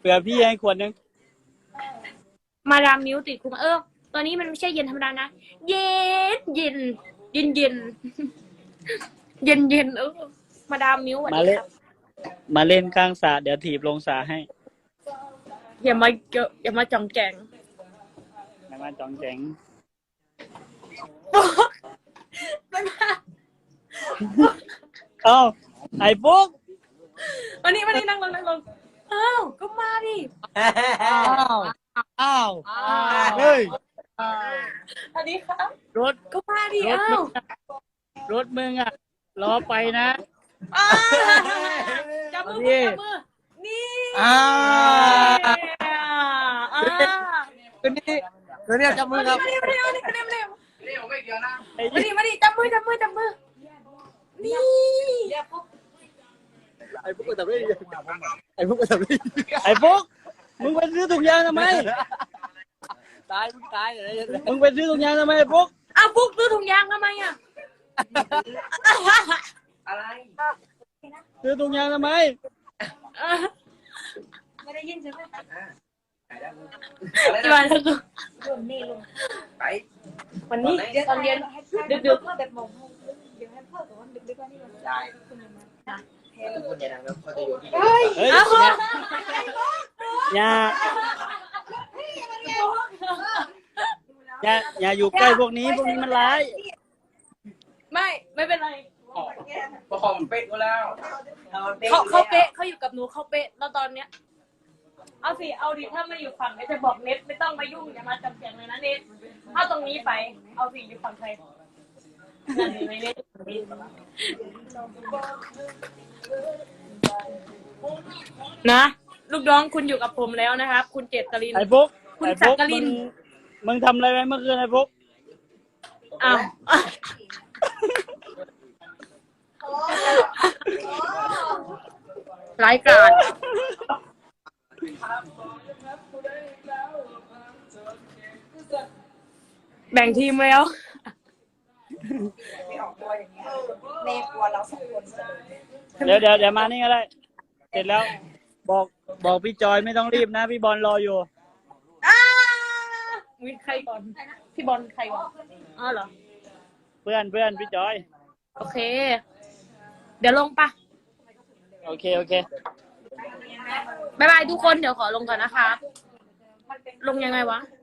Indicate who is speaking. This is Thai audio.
Speaker 1: ผื่อพี่ให้ขวดนึง
Speaker 2: มาดามมิ้วติดคุมตัวนี้มันไม่ใช่เย็นธรรมดานะเย็นเย็นเย็นเย็นเย็นเย็นมาดามมิ้วสวัสดีครับ
Speaker 1: มาเล่นข้างสระเดี๋ยวถีบลงสระให้
Speaker 2: อย่ามาจ่องแจง
Speaker 1: อย่ามาจ่องแจงเอ้าไอ้ปุ๊ก
Speaker 2: วันนี้นั่งลงอ้าวก็มาดิ
Speaker 1: อ้าวเฮ้ย
Speaker 2: สวัสดีครับ
Speaker 1: รถ
Speaker 2: ก็มาดิอ้าว
Speaker 1: รถมึงอ่ะรอไปนะ
Speaker 2: จับมือนี่
Speaker 1: ตัวนี้จับมือครับ
Speaker 2: มาดิจับมือนี่
Speaker 1: ไอ้พวกก็ทำได้ไอ้พวกมึงไปซื้อถุงยางทำไมมึงตายเลยมึงไปซื้อถุงยางทำไมไอ้พวก
Speaker 2: ปุ๊กซื้อถุงยางทำไม
Speaker 3: อะไร
Speaker 1: ซื้อถุงยางทำไม
Speaker 2: ไม่ได้ยินใช่ไหม
Speaker 3: อะไรนะไป
Speaker 2: วันนี้ตอนเย็นดึกแบบมองเดี๋ยวให้พ่อกับวันดึกๆว่านี่มัน
Speaker 3: ได้คุณอย่าดังแล้วเขาจะโยนที่
Speaker 1: เฮ้ยอย่าอยู่ใกล้พวกนี้มันร้าย
Speaker 2: ไม่เป็นไร
Speaker 3: ประคองมันเป๊ะก็แล้ว
Speaker 2: เขาเป๊ะเขาอยู่กับหนูเขาเป๊ะแล้วตอนเนี้ยเอาดิถ้าไม่อยู่ฝั่งจะบอกเน็ตไม่ต้องมายุ่งอย่ามาจำเสียงเลยนะเน็ตเอาตรงนี้ไปเอาสิอยู่ฝั่งใครไม่เน็ตนะลูกน้องคุณอยู่กับผมแล้วนะครับคุณเจตริน
Speaker 1: ไอ้พวก
Speaker 2: คุณจักริน
Speaker 1: มึงทำอะไรไว้เมื่อคืนไอ้พวก
Speaker 2: รายการแบ่งทีมแล้ว
Speaker 3: เนกลัวเราสองคน
Speaker 1: เดี๋ยวมานี่ก็ได้เสร็จแล้วบอกพี่จอยไม่ต้องรีบนะพี่บอลรออยู่
Speaker 2: มีใครก่อนพี่บอลใครก่อนเหรอ
Speaker 1: เพื่อนพี่จอย
Speaker 2: โอเคเดี๋ยวลงปะ
Speaker 1: โอเค
Speaker 2: บ๊ายบายทุกคนเดี๋ยวขอลงก่อนนะคะลงยังไงวะ